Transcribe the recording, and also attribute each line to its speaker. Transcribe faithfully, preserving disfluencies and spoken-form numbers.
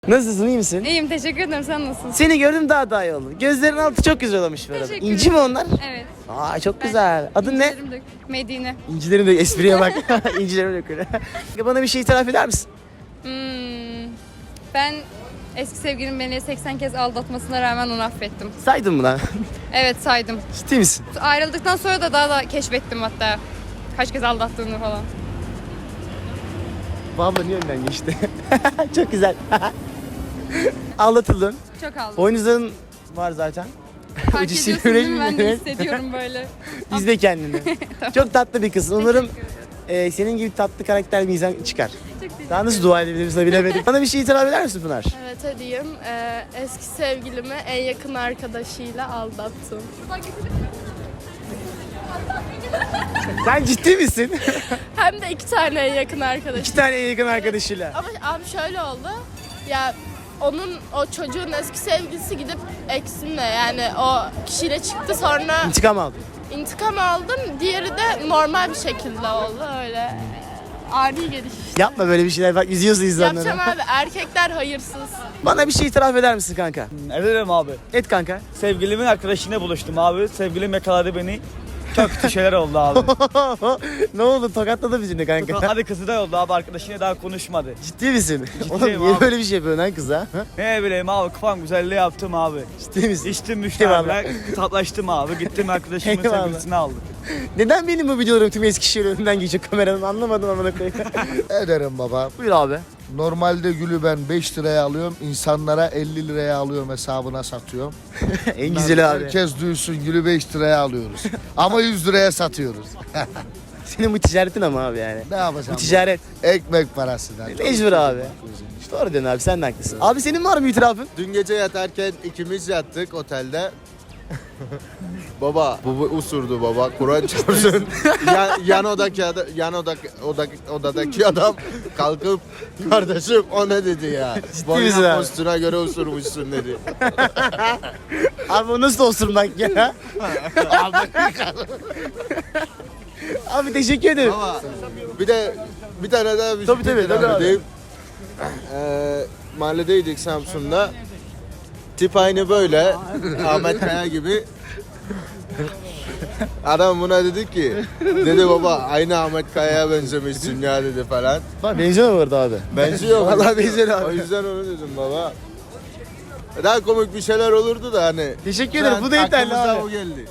Speaker 1: Nasılsın, iyi misin?
Speaker 2: İyiyim, teşekkür ederim. Sen nasılsın?
Speaker 1: Seni gördüm, daha daha iyi oldu. Gözlerin altı çok güzel olmuş bu arada.
Speaker 2: Teşekkür
Speaker 1: İnci mi
Speaker 2: ederim.
Speaker 1: onlar?
Speaker 2: Evet.
Speaker 1: Aa çok güzel. Adın ne?
Speaker 2: İncilerim dök- Medine.
Speaker 1: İncilerin de espriye bak. İncilerin dökülü. Bana bir şey itiraf eder misin?
Speaker 2: Hmm, ben eski sevgilim beni seksen kez aldatmasına rağmen onu affettim.
Speaker 1: Saydın mı lan?
Speaker 2: Evet, saydım.
Speaker 1: Ciddi misin?
Speaker 2: Ayrıldıktan sonra da daha da keşfettim hatta. Kaç kez aldattığını falan.
Speaker 1: Bu abla niye önden geçti? Çok güzel. Aldatıldın.
Speaker 2: Çok aldım.
Speaker 1: Boynuzların var zaten.
Speaker 2: Fark
Speaker 1: Ucu
Speaker 2: ediyorsun
Speaker 1: sivri
Speaker 2: değil mi? Ben de
Speaker 1: evet.
Speaker 2: hissediyorum böyle.
Speaker 1: İzle kendini. Çok tatlı bir kız. Umarım e, senin gibi tatlı karakter bir insan çıkar. Daha nasıl dua edebiliriz de bilemedim. Bana bir şey itiraf eder misin Pınar?
Speaker 3: Evet edeyim. Ee, eski sevgilimi en yakın arkadaşıyla aldattım.
Speaker 1: Sen ciddi misin?
Speaker 3: Hem de iki tane en yakın arkadaş.
Speaker 1: İki tane en yakın arkadaşıyla.
Speaker 3: Ama abi şöyle oldu. Ya onun o çocuğun eski sevgilisi gidip eksimle yani o kişiyle çıktı, sonra
Speaker 1: İntikam aldın.
Speaker 3: intikam aldım. Diğeri de normal bir şekilde oldu öyle. Ani geliş.
Speaker 1: Yapma böyle bir şeyler, bak üzüyorsun insanları.
Speaker 3: Yapacağım abi, erkekler hayırsız.
Speaker 1: Bana bir şey itiraf eder misin kanka?
Speaker 4: Ederim abi.
Speaker 1: Et kanka.
Speaker 4: Sevgilimin arkadaşıyla buluştum abi. Sevgilim yakaladı beni. Çok kötü şeyler oldu abi.
Speaker 1: Ne oldu, tokatladı bizimle kanka.
Speaker 4: Hadi kızı da oldu abi, arkadaşıyla daha konuşmadı.
Speaker 1: Ciddi misin?
Speaker 4: Ciddiyim
Speaker 1: Oğlum niye
Speaker 4: abi.
Speaker 1: böyle bir şey yapıyorsun lan kıza? Ha?
Speaker 4: Ne bileyim abi, kafam güzelliği yaptım abi.
Speaker 1: Ciddi misin?
Speaker 4: İçtim
Speaker 1: Eyvallah.
Speaker 4: müşteriler, tatlaştım abi. Gittim arkadaşımın
Speaker 1: Eyvallah.
Speaker 4: sevgilisini aldım.
Speaker 1: Neden benim bu videolarım tüm Eskişehir önünden geçiyor kameranın, anlamadım amına koyayım.
Speaker 5: Ederim baba.
Speaker 1: Buyur abi.
Speaker 5: Normalde gülü ben beş liraya alıyorum. İnsanlara elli liraya alıyorum, hesabına satıyorum.
Speaker 1: En güzeli abi.
Speaker 5: Herkes duysun, gülü beş liraya alıyoruz. Ama yüz liraya satıyoruz.
Speaker 1: Senin bu ticaretin ama abi yani.
Speaker 5: Ne yapacağım?
Speaker 1: Bu ticaret.
Speaker 5: Ekmek parasından.
Speaker 1: Mecbur abi. Doğru diyorsun abi, sen de haklısın. Abi senin var mı itirafın?
Speaker 6: Dün gece yatarken ikimiz yattık otelde. Baba, bu usurdu baba. Kur'an çarpsın. yan, yan odaki adam, yan odaki, odaki, odadaki adam kalkıp kardeşim o ne dedi ya?
Speaker 1: misin abi?
Speaker 6: Boyuna postuna göre usurmuşsun dedi.
Speaker 1: Abi o nasıl osurmak ya? Abi teşekkür ederim.
Speaker 6: Ama bir de bir tane daha bir
Speaker 1: Tabii,
Speaker 6: şey
Speaker 1: tabii,
Speaker 6: itiraf
Speaker 1: tabii abi.
Speaker 6: edeyim. Ee, mahalledeydik Samsun'da. Tip aynı böyle. Ahmet Kaya gibi. Adam buna dedi ki, dedi baba aynı Ahmet Kaya'ya benzemişsin ya dedi falan.
Speaker 1: Bak benziyor mu orada abi?
Speaker 6: Benziyor.
Speaker 1: Vallahi benziyor abi.
Speaker 6: O yüzden onu dedim baba. Daha komik bir şeyler olurdu da hani.
Speaker 1: Teşekkür
Speaker 6: Şu
Speaker 1: ederim.
Speaker 6: an
Speaker 1: Bu da yeterli
Speaker 6: aklımıza
Speaker 1: abi.
Speaker 6: o geldi.